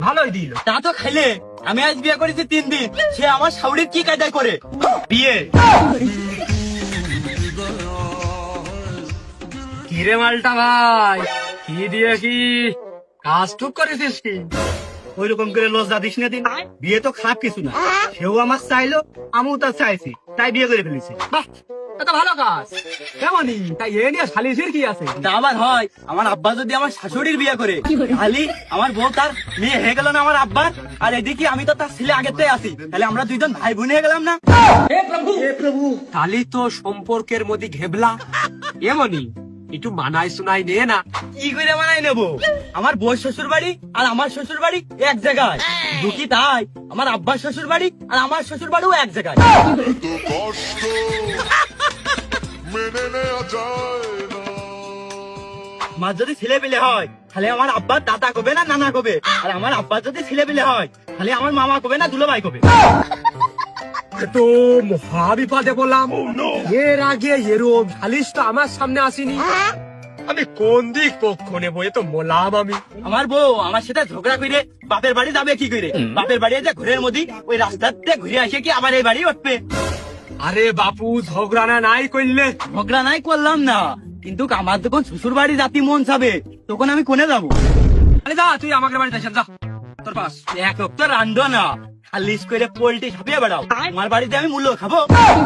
ভালোই দিল। তা তো খাইলে, আমি আজ বিয়ে করেছি 3 দিন, সে আমার শাউরির কি কায়দায় করে বিয়ে। কিরে মালটা ভাই, কি দিয়ে কি কাজ টুক করেছিস কি? ওই রকম করে লজ্জা দিস না দিন, বিয়ে তো খারাপ কিছু না। সেও আমার চাইলো, আমিও তার চাইছি, তাই বিয়ে করে ফেলেছি। বাহ, এটা ভালো কাজ। কেমনই তাই এ নিয়ে সালিশের কি আছে? তা আবার হয়, আমার আব্বা যদি আমার শাশুড়ির বিয়ে করে, খালি আমার বউ তার মেয়ে হয়ে গেল না আমার আব্বার, আর এদিকে আমি তো তার ছেলে আগের থেকে আছি, তাহলে আমরা দুইজন ভাই বোন হয়ে গেলাম না? তাহলে তো সম্পর্কের মধ্যে ঘেবলা। এমনই একটু মানায় শোনাই নে না। কি করে বানাই নেবো? আমার বউ শ্বশুর বাড়ি আর আমার শ্বশুর বাড়ি এক জায়গায়, দুঃখী তাই আমার আব্বার শ্বশুর বাড়ি আর আমার শ্বশুর বাড়িও এক জায়গায়। কষ্ট মেনে নেওয়া যায় না। আমার যদি ছেলে পেলে হয়, তাহলে আমার আব্বার দাদা কবে না নানা কবে, আর আমার আব্বার যদি ছেলে পেলে হয়, তাহলে আমার মামা কবে না দুলো ভাই কবে। তো মহা বিপদে বললাম। এর আগে এরম সালিশ তো আমার সামনে আসেনি। আমি কোন দিক পক্ষ নেবো এ তো মোলাম আমি। আমার বউ আমার সাথে ঝগড়া করে বাপের বাড়ি যাবে কি করে? বাপের বাড়ি যে ঘরের মধ্যে ওই রাস্তাতে ঘুরে আসে কি আবার এই বাড়ি উঠবে? আরে বাপু, ঝগড়া না নাই করলে? ঝগড়া নাই করলাম না, কিন্তু আমার যখন শ্বশুর বাড়ি জাতি মন চাবে, তখন আমি কোনে যাবো? আরে যা, তুই আমাকে বাড়িতে আসেন, যা তোর পাস। এক তো রান্ধো না, খালিশ করে পোল্ট্রি ছাপিয়ে বেড়াও, আমার বাড়িতে আমি মূল্য খাবো?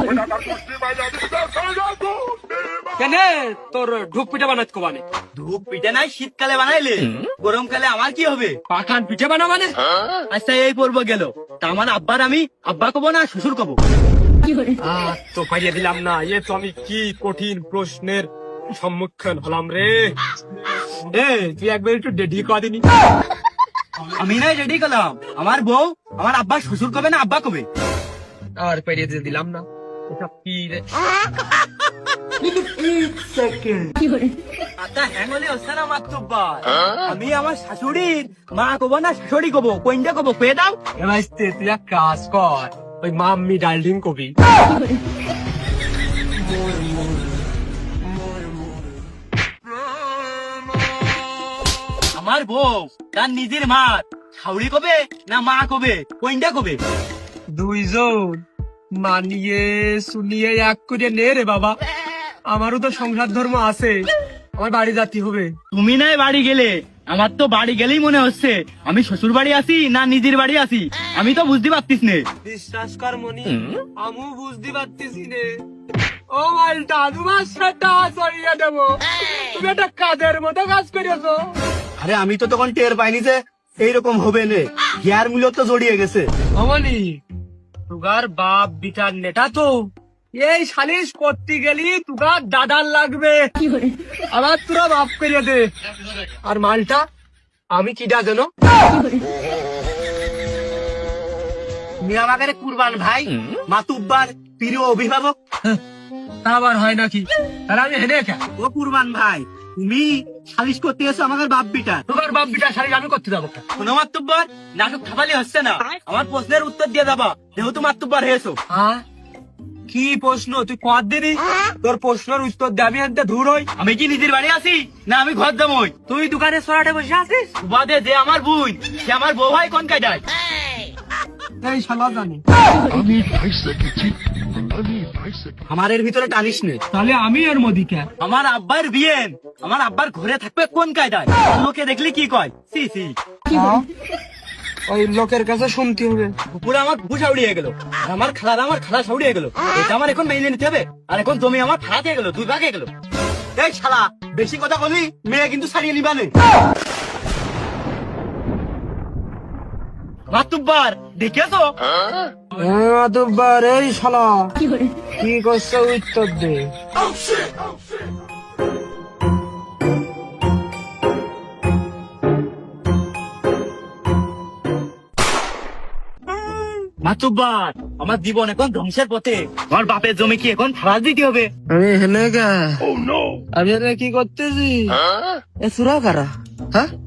কেন তোর ঢুক পিঠা বানাত কোবানে? ধূপ পিঠে নাই শীতকালে বানাইলে, গরমকালে আমার কি হবে? পাখান পিঠে বানা মানে? আচ্ছা এই পর্ব গেল, তা আমার আব্বার আমি আব্বা কব না শ্বশুর কব? তো পাইয়ে দিলাম না। এ তো আমি কি কঠিন প্রশ্নের সম্মুখীন হলাম রে। এ তুই একবার একটু ডেডি কদিনি। আমি নাই রেডি করলাম, আমার বউ আমার আব্বা শ্বশুর কবে না আব্বা কবে? আর পাইয়ে দিয়ে দিলাম না। এটা কি রে? আচ্ছা হ্যাঙ্গলে হচ্ছে না মাতুব্বার, আমি আমার শাশুড়ির মা কব না শাশুড়ি কব, কোনটা কব কয়ে দাও? এবার তুই এক কাজ কর, ওই মাম্মি ডার্লিং কবি। আমার বউ তার নিজের মা শাশুড়ি কবে না মা কবে, কোনটা কবে? দুইজন মানিয়ে শুনিয়ে এক করে নে রে বাবা। আমারও তো সংসার ধর্ম আছে, আমার বাড়ি জাতি হবে। তুমি নাই বাড়ি গেলে, আমার তো বাড়ি গেলেই মনে হচ্ছে আমি শ্বশুর বাড়ি আছি না নিজের বাড়ি আছি, আমি তো বুঝতে পারতিস নে। বিশ্বাস কর মনি, আমিও বুঝতে পারতেছি নে। ও মালটা, তোমার সেটা সরিয়ে দেবো। তুমি একটা কাজের মতো কাজ করেছো। আরে আমি তো তখন টের পাইনি যে এইরকম হবে নে, হিয়ার মূল্য তো জড়িয়ে গেছে। অমনি তুগার বাপ বিটার নেটা তো এই সালিশ করতে গেলি তুগার দাদার লাগবে। আবার তোরা মাফ করিয়ে দে। আর মালটা আমি কিডা যেন? তুমি আমাকে কুরবান ভাই, মাতুব্বার প্রিয় অভিভাবক। তা আবার হয় নাকি? তাহলে আমি হেনে খা। ও কুরবান ভাই, তুমি সালিশ করতে এসো আমাদের বাপ বিটার। তুগার বাপ বিটার সালিশ আমি করতে যাবো। শোনো মাতুব্বার, নাটক খাবালি হচ্ছে না, আমার প্রশ্নের উত্তর দিয়ে যাবা, যেহেতু মাতুব্বার হয়েছো। হ্যাঁ, কি প্রশ্ন তুই কর দিবি? তোর প্রশ্নের উত্তর দে, আমি এনতে দূর হই। আমি কি নিজের বাড়ি আছি না আমি ঘর জামই? তুই দোকানে সরাটে বসে আছিস? বাদে যে আমার বোন, সে আমার বউ ভাই কোন কায়দায়? এই শালা জানি। আমি ভাইসে গেছি, আমি ভাইসে গেছি। আমার এর ভিতরে টানিস নে। তাহলে আমি এর মধ্যে কে? আমার আব্বার বিয়ে, আমার আব্বার ঘরে থাকবে কোন কায়দায়? লোকে দেখলি কি কয়? সি সি, ওই লোকের কাছে শুনতে হবে। পুরো আমার বুঝা উড়িয়ে গেল, আর আমার খালা সাউড়িয়ে গেল। এটা আমার এখন মেনে নিতে হবে, আর এখন জমি আমার ফাড়াতে গেল, 2 ভাগে গেল। এই শালা, বেশি কথা বলি মেয়ে কিন্তু ছাড়িয়ে নিবানে। মাতুব্বার দেখেছো? মাতুব্বার, এই শালা কি করছে উত্তর দে। মাতুব্বার, আমার জীবন এখন ধ্বংসের পথে, আমার বাপের জমি কি এখন ফাড়া দিতে হবে? আমি হেনে গা, আমি এখানে কি করতেছি? এ সুরা কারা? হ্যাঁ,